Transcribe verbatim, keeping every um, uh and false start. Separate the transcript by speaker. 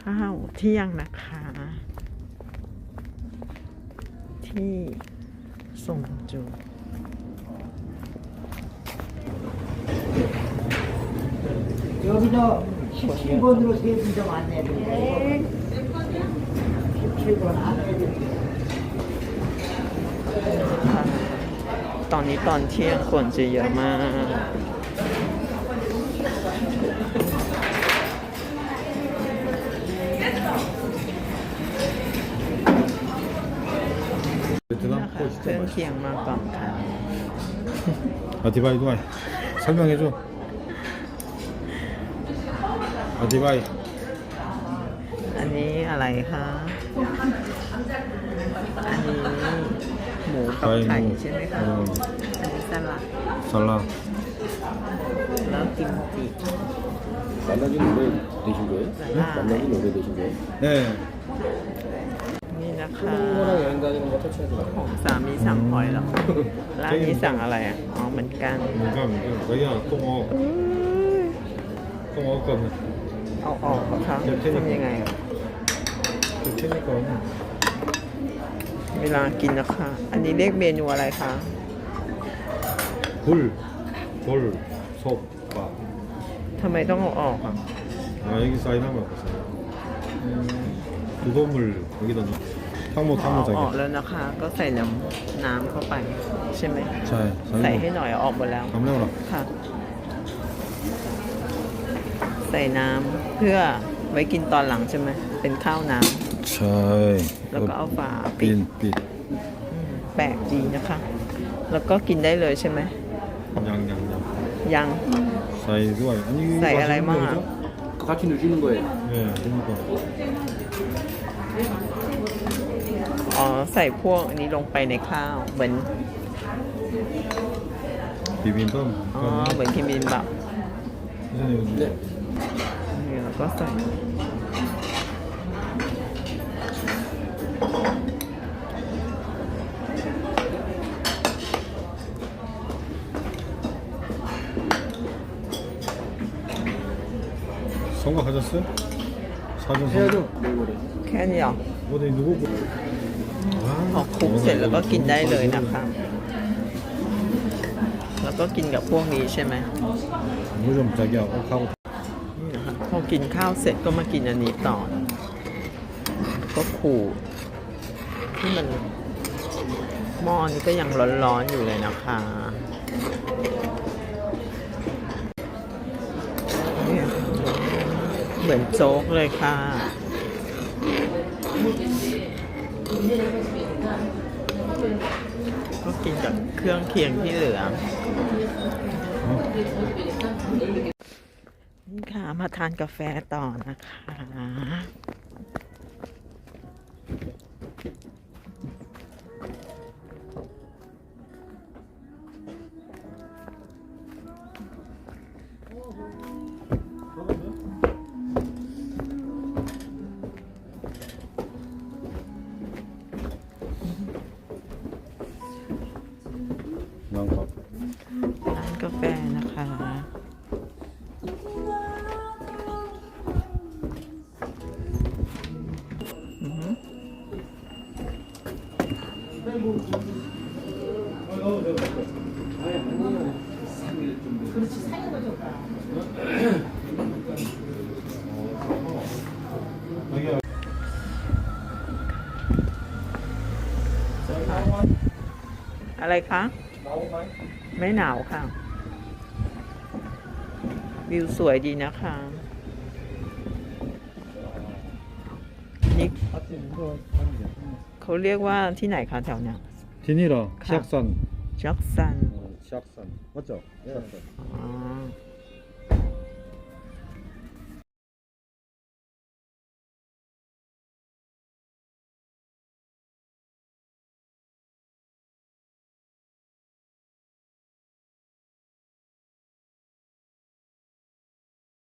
Speaker 1: ข้าวเที่ยงนะคะ ที่ส่งจู
Speaker 2: 여기도 십칠 번으로 세분 좀 안내해드릴게요. 십칠 번 안내해드릴게요.
Speaker 1: ตอนนี้ตอนเที่ยงคนจะเยอะมาก
Speaker 3: 베트남
Speaker 1: นะคะ
Speaker 3: 코
Speaker 1: เครื่
Speaker 3: 진짜
Speaker 1: องเคียง
Speaker 3: 맛있어.
Speaker 1: มาก่อนค่ะ
Speaker 3: 아디바이 두바이 설명해줘. 아디바이
Speaker 1: อันนี้อะไรคะ อันนี้หมูกับไข่ใช่ไหมคะ
Speaker 3: 어,
Speaker 1: อันนี้สลัด
Speaker 3: 살라.
Speaker 1: แล้วกิมจิ
Speaker 4: 만나긴 오래 되신 거예요?
Speaker 1: 아.
Speaker 4: 만나긴 오래 되신 거예요?
Speaker 3: 네.
Speaker 1: นี่นะคะ
Speaker 4: 친구랑 여행 다니는 거 터치하지
Speaker 1: ข
Speaker 4: 말아요.
Speaker 1: องสามีสั่งหอยแล้วร้านนี้สั่งอะไรอ่ะ อ๋อเหมือนกัน
Speaker 3: 뭔가 뭔가 거기야 또 먹어. 또 먹을 거면
Speaker 1: เอาออกเหรอคะทำยังไงอ่ะ
Speaker 3: 또 테니까
Speaker 1: เวลากินนะคะ อันนี้เรียกเมนูอะไรคะ
Speaker 3: 굴, 돌, 솥밥.
Speaker 1: ทำไมต้องเอาออกอ่ะ
Speaker 3: 아 여기 사인한 거 봤어요. 두도물 여기다 넣. 탕모
Speaker 1: เอา
Speaker 3: 탕모
Speaker 1: ออก
Speaker 3: 자기.
Speaker 1: แล้วนะคะ ก็ใส่น้ำน้ำเข้าไป ใช่ไหม
Speaker 3: 자,
Speaker 1: ใส่ให้
Speaker 3: 사인.
Speaker 1: หน่อยเอาออกหมดแล้ว
Speaker 3: 감내오라.
Speaker 1: ค่ะ ใส่น้ำเพื่อไว้กินตอนหลังใช่ไหม เป็นข้าวน้
Speaker 3: 자.
Speaker 1: ำแล้วก็เอาฝาปิด
Speaker 3: 빈, 빈.
Speaker 1: อืมแปลกดีนะคะ แล้วก็กินได้เลยใช่ไหม
Speaker 3: 양양양.
Speaker 1: ยัง
Speaker 3: 사이 두바이. 아니 이거
Speaker 1: 사이
Speaker 3: 맛있는
Speaker 1: 알라이마.
Speaker 3: 거죠?
Speaker 4: 같이 넣으시는 거예요?
Speaker 3: 네, 그러니까.
Speaker 1: อ๋อ ใส่พวกอันนี้ลงไปในข้าว เหมือน
Speaker 3: 비빔밥.
Speaker 1: อ๋อ เหมือนคิมบินบับ
Speaker 3: 선생님.
Speaker 4: 네.
Speaker 1: นี่แล้วก็ใส่
Speaker 3: 선거하셨어요? 사전
Speaker 4: 해야죠.
Speaker 3: 선거.
Speaker 4: 내일 모레.
Speaker 1: แค่นี้เหรอ
Speaker 3: 어디 누구?
Speaker 1: พอคลุกเสร็จแล้วก็กินได้เลยนะคะ แล้วก็กินกับพวกนี้ใช่ไหม
Speaker 3: 뭐좀 자기야 옥하고
Speaker 1: นี่นะคะพอกินข้าวเสร็จก็มากินอันนี้ต่อ ก็ขูดที่มันหม้อนี้ก็ยังร้อนๆอยู่เลยนะคะเนี่ยเหมือนโจ๊กเลยค่ะ ก็กินกับเครื่องเคียงที่เหลือ นี่ค่ะ มาทานกาแฟต่อนะคะ
Speaker 3: 난밥
Speaker 1: ร้านกาแฟนะคะ อือหือ
Speaker 3: 자기야
Speaker 1: อะไรคะ ไม่หนาวค่ะ วิวสวยดีนะคะ นี่เขาเรียกว่าที่ไหนคะแถวเนี้ย
Speaker 3: 디니라
Speaker 1: 가.
Speaker 3: 시악산
Speaker 1: จ็อกซัน
Speaker 3: 어, 시악산 맞죠? 시악산
Speaker 1: อ๋อ